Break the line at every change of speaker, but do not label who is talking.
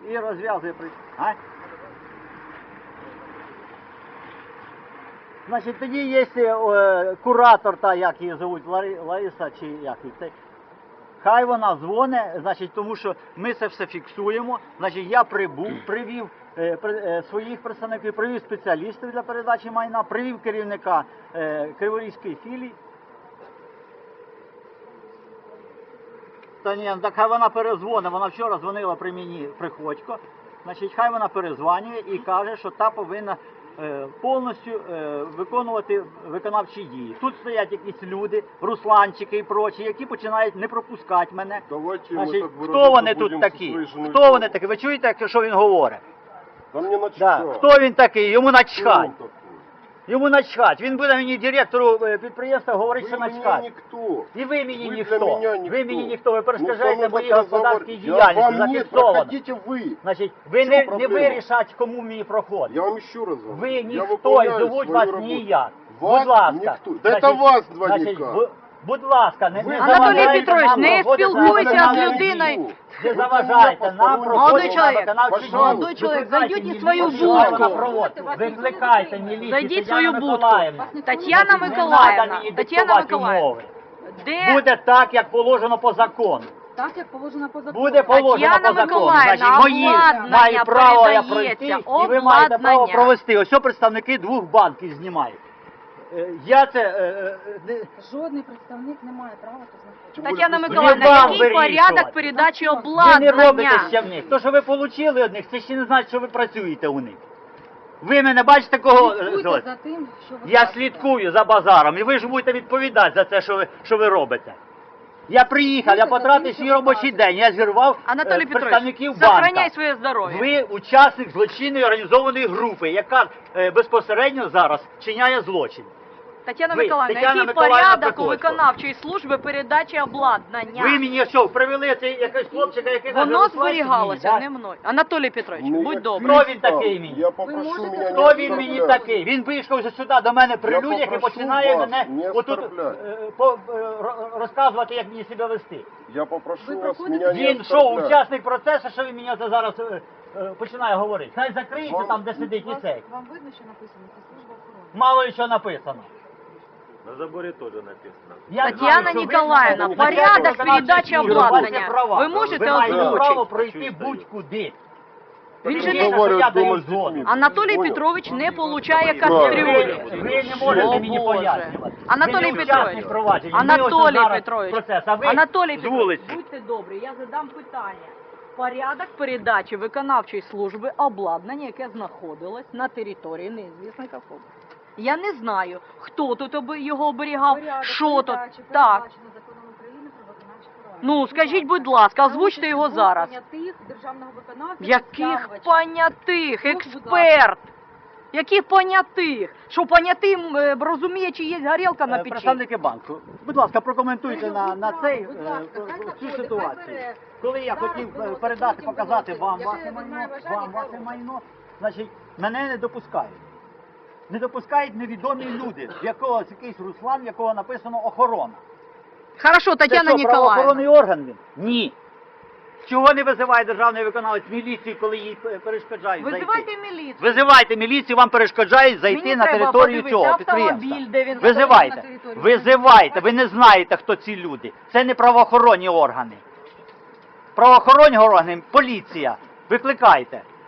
і розв'язує. А? Значить, тоді є куратор, та як її звуть, Лариса чи як її, хай вона дзвонить, значить, тому що ми це все фіксуємо. Значить, я привів своїх представників, привів спеціалістів для передачі майна, привів керівника Криворізької філії. Та ні, так хай вона перезвонить, вона вчора дзвонила при мені Приходько, значить, хай вона перезвонює і каже, що та повинна повністю виконувати виконавчі дії. Тут стоять якісь люди, русланчики і прочі, які починають не пропускати мене. Значить, хто вони тут такі? Хто вони такі? Ви чуєте, що він говорить? Хто він такий? Йому начхать. Йому начхать. Він буде мені директору підприємства говорити, що начхать. І ви мені ніхто. Ви мені ніхто. Ви перешкоджаєте мої господарські діяльності. Зафіксовано. Значить, ви не вирішать, кому мені проходить.
Я вам ще раз говорю.
Ви ніхто, і зовуть вас ніяк. Будь ласка.
Це вас два ніяк.
Будь ласка, не
Анатолій Петрович, не спілкуйся з людиною.
Не заважайте нам проходити на виконавчі дії.
Молодой чоловік, зайдіть у свою будку.
Викликайте міліцію.
Зайдіть в свою будку. Тетяна Миколаївна, Тетяна Миколаївна. Де?
Буде так, як положено по закону.
Так, як положено по закону.
Буде положено по закону. Значить, мої мають право я пройти, і ви маєте право провести. Ось представники двох банків знімають. Я це...
Жодний представник не має права тут знаходитися.
Тетяна Миколаївна, який порядок передачі обладнання?
Ви не робите ще в них. То, що ви отримали від них, це ще не значить, що ви працюєте у них. Ви мене бачите кого...
Слідкуйте за тим, що ви
Я
кажете.
слідкую за базаром, і ви ж будете відповідати за те, що ви робите. Я приїхав, я потратив свій робочий день, я зірвав
Анатолій
представників
Петрович,
банка.
сохраняй своє здоров'я.
Ви учасник злочинної організованої групи, яка безпосередньо зараз чиняє злочин.
Тетяна
Ви,
Миколаївна,
Тетяна
який
Миколаївна
порядок у
Приходько.
виконавчої служби передачі обладнання?
Ви мені що, привели цей якийсь хлопчика, який каже,
Воно
«Руслан,
зберігалося,
ні,
не мною. Анатолій Петрович, будь добрий.
Хто він такий мені?
Я попрошу
можете
мене
Хто він мені такий? Він вийшов вже сюди до мене при
Я
людях і
попрошу
починає
вас
мене
не
отут
оскорбляти.
розказувати, як мені себе вести.
Я попрошу
Ви
вас
проходите?
меня не
Він що,
оскорблять.
учасник процесу, що він мені це зараз починає говорити? Хай закриється там, де сидить і цей.
Вам видно, що написано? Це служба охорони.
Мало ли що написано.
На заборе тоже написано.
Я
Тетяна
знаю, що ви
Ніколаївна,
знаєте,
порядок
що
передачі
ви
обладнання.
маєте права.
Ви можете
маєте право
озвучити?
пройти будь-куди.
Він же
Тим
не-
більше,
говорю
що я
дома
даю
з дітьми.
згоду.
Анатолій
Понял.
Петрович не получає
Ви
кастрюлі.
не можете
О,
мені
Боже.
пояснювати.
Анатолій
Ви не
Петрович,
учасник провадження. Ми ось
Анатолій
зараз
Петрович,
процес, а ви
Анатолій
з
Петрович,
вулиці.
будьте добрі, я задам питання. Порядок передачі виконавчої служби обладнання, яке знаходилось на території неізвісних особ. Я не знаю, хто тут його оберігав,
Порядок
що тут.
передачі
Так.
передбачено законом України про виконавчі права.
Ну, скажіть, будь ласка, озвучте його
Двох
зараз.
понятих державного виконавця,
Яких
підставувача.
понятих?
Ну, будь
Експерт! Яких понятих? Що понятим розуміє, чи є горілка на печі?
Представники банку, будь ласка, прокоментуйте на цей
Будь ласка, хай
цю
заходить,
ситуацію.
хай бере.
Коли я
Зараз
хотів
виносить,
передати,
потім
показати
виносить.
вам
Якщо
ваше
він
майно,
має бажання,
вам
хай
ваше
робить.
майно, значить, мене не допускають. Не допускають невідомі люди, в якогось якийсь Руслан, в якого написано охорона.
Хорошо, Тетяна
Це що,
Ніколаївна.
правоохоронний орган він? Ні. Чого не визиває державний виконавець міліцію, коли їй перешкоджають
Визивайте
зайти?
міліцію.
Визивайте міліцію, вам перешкоджають зайти
Мені
на
треба
територію
подивитися
цього
автомобіль,
підприємства.
де він
Визивайте,
на територію.
визивайте, ви не знаєте, хто ці люди. Це не правоохоронні органи. Правоохоронні органи, поліція. Викликайте.